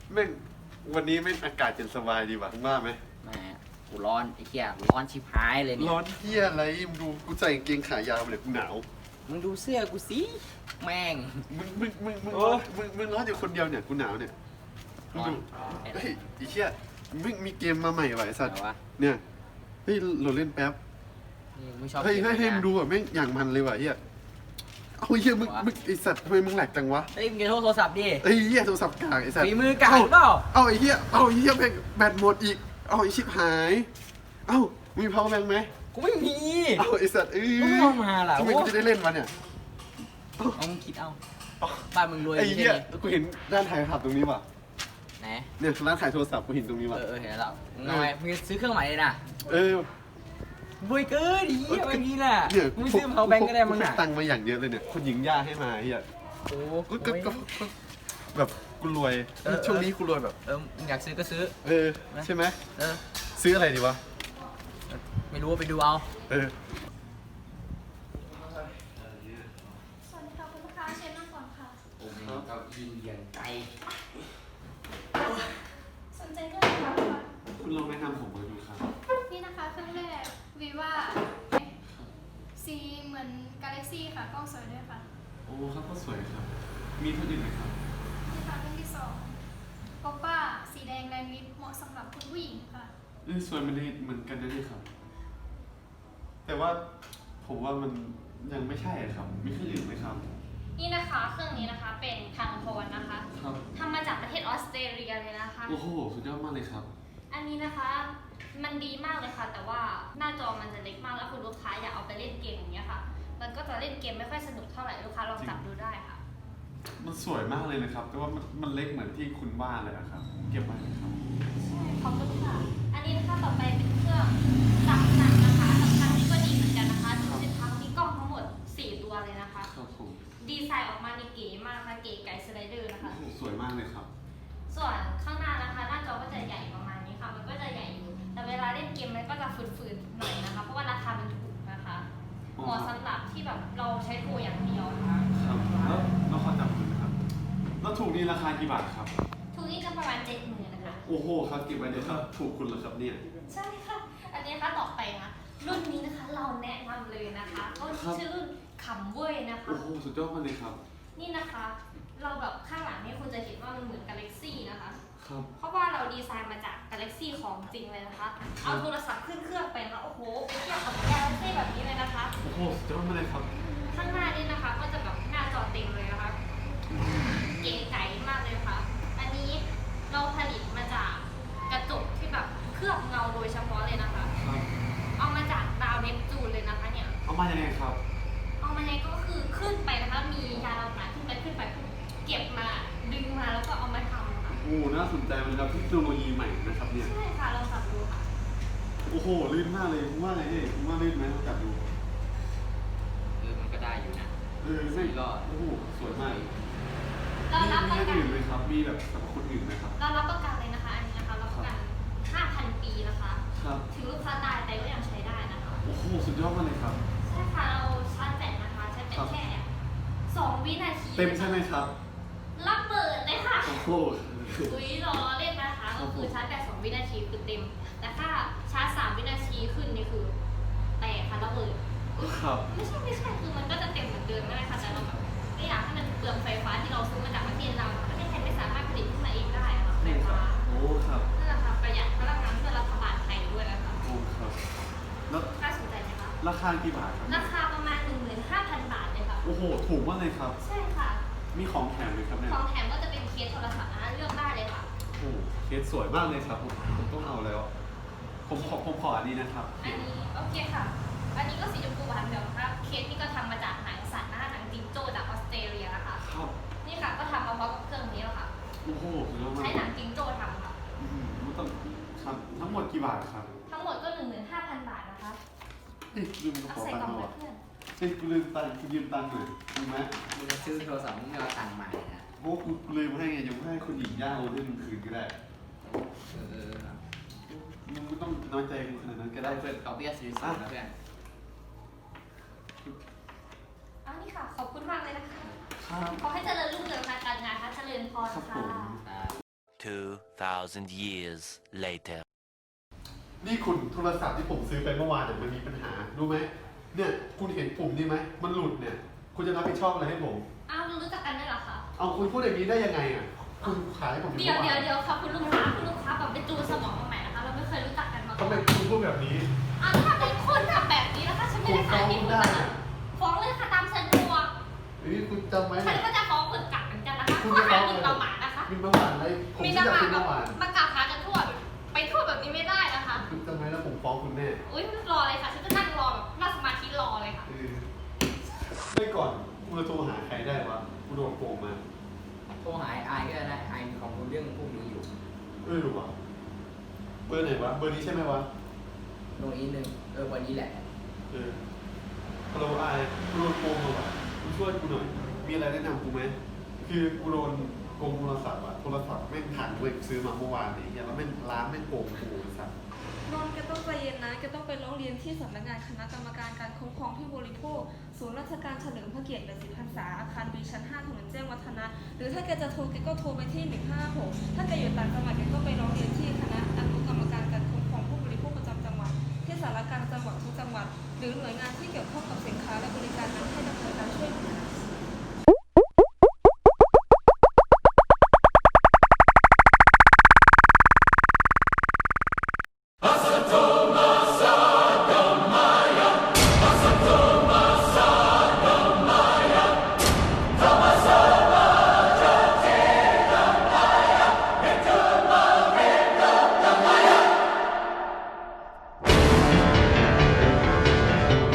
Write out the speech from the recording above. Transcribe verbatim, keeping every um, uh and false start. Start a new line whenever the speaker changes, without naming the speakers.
แม่งวันนี้ไม่อากาศเย็นสบายดีว่ะมึงว่าไหม
แหมกูร้อนไอ้เหี้ยร้อนชิบหายเลยเนี่ย
ร้อนเที่ยอะไรมึงดูกูใส่กางเกงขายาวเลยกูหนาว
มึงดูเสื้อกูสิแม่ง
มึงมึงมึงมึงร้อนมึงมึงร้อนอยู่คนเดียวเนี่ยกูหนาวเนี่ยมึงดูเฮ้ยไอ้เหี้ยมึงมีเกมมาใหม่ว่ะไอ้สัตว์เนี่ยเฮ้ยเราเล่นแป๊บเฮ้ยเฮ้ยให้มึงดูอ่ะแม่งอย่างมันเลยว่ะเฮียเอาเฮียมึงมึงไอสัตว์ทำไมมึงแหลกจังวะ
เฮ้ยมึงจะโทรศัพท์ดิ
ไอ้เฮียโทรศัพท์กากไอสัตว์
ฝีมือกากเปล่า
เอาไอ้เฮียเอาไอ้เฮียแบตแบตหมดอีกเอาไอ้ชิบหายเอ้ามี power bank ไหม
กูไม่มี
เอาไอสัตว์เอ้ย
มึงเอามาล่ะ
ทำไมกูจะได้เล่นวะเนี่ย
เอามึงคิดเอาบ้านมึงรวย
ไอ้เฮียกูเห็นด้านถ่ายภาพตรงนี้ว่ะ
ไหน
เนี่ยร้านขายโทรศัพท์กูเห็นตรงนี้ว่ะ
เออเห็นแล้วทำไมมึงซื้อเครื่องใหม่เลยนะ
เออ
บุยเกินดีแบบนี้แหละมึงซื้อเขาแบงก็ได้มึง
น่ะตังมาอย่างเยอะเลยเนี่ยคนหญิงย่าให้มาเฮีย
โอ้
ก็ก็แบบกูรวยช่วงนี้กูรวยแบบ
เอออยากซื้อก็ซื้อ
เออใช่ไหม
เออ
ซื้ออะไรดีวะ
ไม่รู้ว่าไปดูเอา
เออ
สวัสดีค่ะคุณลูกค้าเชิญนั่งก่อนค่ะ
โอ้โหเก้าอี้เย็นใจ
สนใจเรื่องอะไรคะ
คุณลองแนะนำผมมาดูครับ
นี่นะคะเครื่องแรก Viva สีเหมือน Galaxy ค่ะกล้องสวยด้วยค่ะ
โอ้ครับก็สวยครับมีตัวอื่นไหมครับ
นี่ค่ะเครื่องที่สอง Oppa สีแดงแรงลิฟเหมาะสำหรับคุณผู้หญิงค่ะ
เออสวยมันเหมือนกันนะนี่ครับแต่ว่าผมว่ามันยังไม่ใช่ครับมีเครื่องอื่นไหมครับ
นี่นะคะเครื่องนี้นะคะเป็นทางโทนนะคะทำมาจากประเทศออสเตรเลียเลยนะคะ
โอ้โหสุดยอดมากเลยครับ
อันนี้นะคะมันดีมากเลยค่ะแต่ว่าหน้าจอมันจะเล็กมากแล้วคุณลูกค้าอยากเอาไปเล่นเกมอย่างเงี้ยค่ะมันก็จะเล่นเกมไม่ค่อยสนุกเท่าไหร่ลูกค้าลองจับดูได้ค่ะ
มันสวยมากเลยนะครับแต่ว่ามันมันเล็กเหมือนที่คุณว่าเลยอะครับเก็บไว้ไหมครับ
ใช่ขอบคุณค่ะอันนี้นะคะต่อไปเป็นเครื่องสามพันนะคะสามพันนี่ก็ดีเหมือนกันนะคะดูสิคะมีกล้องทั้งหมดสี่ตัวเลยนะคะ
ครับผม
ดีไซน์ออกมาในเก๋มากนะคะเก๋ไก่สไลเดอร์นะคะ
สวยมากเลยครับ
ส่วนข้างหน้านะคะหน้าจอก็จะใหญ่ประมาณนี้ค่ะมันก็จะใหญ่อยู่แต่เวลาเล่นเกมมันก็จะฝืนๆหน่อยนะคะเพราะว่าราคามันถูกนะคะเหมาะสำหรับที่แบบเราใช้โทรอย่างเดียวนะคะ
ครับแล้วแล้วขอจำคุณนะครับแล้วถูกนี่ราคากี่บาทครับ
ถูกนี่จะประมาณเจ็ดหมื่นนะคะ
โอ้โหครับเก็บไว้เลยครับถูกคุณเหรอครับเนี่ย
ใช่ค่ะอันนี้นะคะต่อไปนะรุ่นนี้นะคะเราแนะนำเลยนะคะก็ชื่อรุ่นขำเว้ยนะคะ
โอ้โหสุดยอดมากเลยครับ
นี่นะคะเราแบบข้างหลังนี่คุณจะเห็นว่ามันเหมือน Galaxy นะคะ
ครับ
เพราะว่าเราดีไซน์มาจาก Galaxy ของจริงเลยนะคะเอาโทรศัพท์ขึ้นเครื่องไปนะคะโอ้โหไปเทียบกับ Galaxy แบบนี้เลยนะคะ
โอ้โหสุดยอดมากเลยครับ
ข้างหน้านี่นะคะก็จะแบบหน้าจอเต็มเลยนะคะเก๋ไก๋มากเลยค่ะอันนี้เราผลิตมาจากกระจกที่แบบเคลือบเงาโดยเฉพาะเลยนะคะเอามาจากดาวเนปจูนเลยนะคะเนี่ย
เอามายังไงครับ
เอามายังไงก็คือขึ้นไปนะคะมียานอวกาศขึ้นไปขึ้นไปเก็บมาดึงมาแล้วก็เอามาทำค่ะ
โอ้น่าสนใจมันครับเทคโนโลยีใหม่นะครับเนี่ย
ใช่ค่ะลองจับดูค่ะ
โอ้โหลื่นมากเลยคุณว่าไงเอ๊ะคุณว่าลื่นไหมลองจับดู
เออมันก็ได้อยู่นะ
เออไม่ก็โอ้โหสวยมาก
เรารับประกัน
อื่นไหมครับมีแบบสำหรับคนอื่นไหมครับ
เรารับประกันเลยนะคะอันนี้นะคะรับประกัน ห้าพัน ปีนะคะถึงลูกค้าตายแต่ก็ยังใช้ได้นะคะ
โอ้โหสุดยอดมากเลยครับ
ใช่ค่ะเราชาร์จแบตนะคะใช้แบตแค่สองวินาที
เต็มใช่ไหมครับ
ระเบิดเลยค่ะ
โอ้โห
อุ้ยรอเล่นนะคะก็คือชาร์จแบตสองวินาทีคือเต็มแต่ถ้าชาร์จสามวินาทีขึ้นนี่คือแตกค่ะระเบิด
ครับ
ไม่ใช่ไม่ใช่คือมันก็จะเต็มเหมือนเดิมนั่นแหละค่ะแต่เราแบบไม่อยากให้มันเปลืองไฟฟ้าที่เราซื้อมาจากประเทศเราประเทศไทยไม่สามารถผลิตขึ้นมาเองได้อะค่ะไฟฟ้า
โอ้ครับ
นั่นแหละค่ะประหยัดพลังงานเพื่อรัฐบาลไทยด้วยนะคะ
โอ้ครับแล้ว
น่าสนใจไหมคะ
ราคากี่บาทครับ
ราคาประมาณ หนึ่งหมื่นห้าพัน บาทเลยค่ะ
โอ้โหถูกมากเลยครับ
ใช่ค่ะ
มีของแถมไหมครับเนี่ย
ของแถมก็จะเป็นเคสโทรศัพท์นะเลือกได้เลยค่ะ
โอ้เคสสวยมากเลยครับผมผมต้องเอาแล้วผมขอผมขออันนี้นะครับ
อันนี้โอเคค่ะอันนี้ก็สีชมพูหวานแบบครับเคสนี่ก็ทำมาจากหนังสัตว์นะคะหนังจิงโจ้จากออสเตรเลียนะคะ
ครับ
นี่ค่ะก็ทำมาพร้อมกับเครื่องนี้แล้วค่ะ
โอ้โห
ใช้หนังจิงโจ้ทำค่ะ
ต้องทั้งหมดกี่บาทครับ
ทั้งหมดก็ หนึ่งหมื่นห้าพัน บาทนะคะ
เฮ้ยลืมกระเป๋าตังค์หรอ
เพื่อน
เฮ้ยกูลืมตังค์กูยืมตังค์หน่อยถูกไหม
มึงจะซื้อโทรศัพท์มึงไม่เอาตังค์ใหม่นะ
โอ้กูลืมให้ไงยังให้คนหญิงย่าโอนให้มึงคืนก็ได้
เออ
มึงไม่ต้องน้อยใจกูขนาดนั้นก็ได้
เพื่อนเอาเบี้ยซื้อนะเพื่อน
อันนี้ค่ะขอบคุณมากเลยนะคะขอให้เจริญรุ่งเรืองทางการงานค่ะเจริญพรค่ะ
two thousand years later
นี่คุณโทรศัพท์ที่ผมซื้อไปเมื่อวานเนี่ยมันมีปัญหารู้ไหมเนี่ยคุณเห็นปุ่มนี่ไหมมันหลุดเนี่ยคุณจะรับผิดชอบอะไรให้ผม
อ้าวรู้จักกันด้วยเหรอคะ
เอาคุณพูดอย่างนี้ได้ยังไงอ่ะคุณขายให้ผมอยู่
เดี๋ยว
เมื่อ
เดี๋ยว
วาน
เดี๋ยวค่ะคุณลูกค้าคุณลูกค้าแบบไปจูนสมองมาใหม่นะคะ เราไม่เคยรู้จักกันมาก่
ทำ
อน
ไมคุณพูดแบบนี้
อ้าวถ้าเป็นคนทำแบบนี้นะคะฉันไม่ได้ขายที่คุณนะคะฟ้องเลยค่ะตามสะดวก
เฮ้ยคุณจำไหม
ฉัน
เนี่ย
ก็จะฟ้องคุณกลับเหมือนกันนะคะ
คุณ
ข้อ
จะฟ้
หา
อง
หมิ่นประมาทนะคะ
มินประมาทอะไรผม
มี
ที่
ประ
จะ
มาท
เป็น
แบ
ป
บ
ระมาท
มากล่าวหากันทั่วไปทั่วแบบนี้ไม่ได้นะคะ
คุณจำไหมแล้วผมฟ้องคุณแน่
อุ้ยรอเลยค่ะ ฉันจะนั่งรอแบบนั่งสมาธิรอเลยค่ะ
เออไม่ก่อนกูจะโทรหาใครได้วะกูโดนโกงมา
โทรหาไอก็ได้ไอมีความรู้เรื่องพวกนี้อยู่
เออรู้วะเบอร์ไหนวะเบอร์นี้ใช่ไหมวะ
โน้ตอีกหนึ่งเออวันนี้แหละ
เออฮัลโหลไอกูโดนโกงมาว่ะกูช่วยกูหน่อย มีอะไรแนะนำกูไหมคือกูโดนโกงโทรศัพท์อะโทรศัพท์แม่งผ่านเว็บซื้อมาเมื่อวานนี้เหี้ยแล้วแม่งร้านแม่งโกงกูไอ้สัส
นนท์แกต้องใจเย็นนะแกต้องไปร้องเรียนที่สำนักงานคณะกรรมการการคุ้มครองผู้บริโภคศูนย์ราชการเฉลิมพระเกียรติแปดสิบพรรษาอาคารบีชั้นห้าถนนแจ้งวัฒนะหรือถ้าแกจะโทรแกก็โทรไปที่หนึ่งห้าหกถ้าแกอยู่ต่างจังหวัดแกก็ไปร้องเรียนที่คณะอนุกรรมการการคุ้มครองผู้บริโภคประจำจังหวัดที่สารกลางจังหวัดทุกจังหวัด หรือหน่วยงานที่เกี่ยวข้องกับสินค้าและบริการนั้นให้ดำเนินการช่วยเหลือ